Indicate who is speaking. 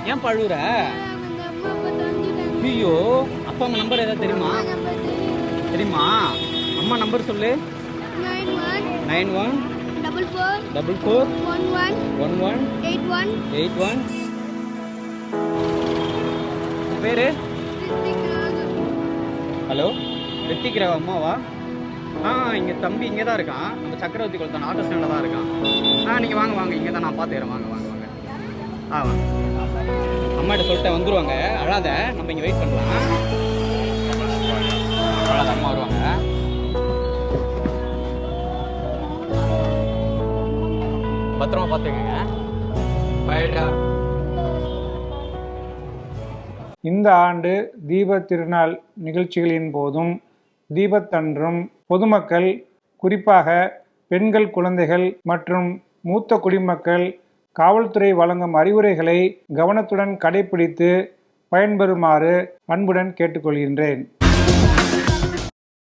Speaker 1: ஏன் பழுவுற? ஐயோ, அப்பா அம்மா நம்பர் ஏதாவது தெரியுமா? தெரியுமா? அம்மா நம்பர் சொல்லு. 91 44 11 81. பேரு? ஹலோ, ரித்திக் ராவ் அம்மாவா? இங்கே தம்பி இங்கே தான் இருக்கான். நம்ம சக்கரவர்த்தி குளத்தான் ஆட்டோ ஸ்டாண்டில் தான் இருக்கான். நீங்கள் வாங்க வாங்க, இங்கே தான் நான் பார்த்துக்கிறேன். வாங்க வாங்க வாங்க. வாங்க. அம்மாட்ட சொல்லிட்டேன் வந்துடுவாங்க. அழாத, நம்ம இங்கே வெயிட் பண்ணலாம். அழாத, அம்மா வருவாங்க. பத்திரமா பார்த்துக்கங்க. பைடா.
Speaker 2: இந்த ஆண்டு தீபத் திருநாள் நிகழ்ச்சிகளின் போதும் தீபத்தன்றும் பொதுமக்கள், குறிப்பாக பெண்கள், குழந்தைகள் மற்றும் மூத்த குடிமக்கள் காவல்துறை வழங்கும் அறிவுரைகளை கவனத்துடன் கடைபிடித்து பயன்பெறுமாறு அன்புடன் கேட்டுக்கொள்கின்றேன்.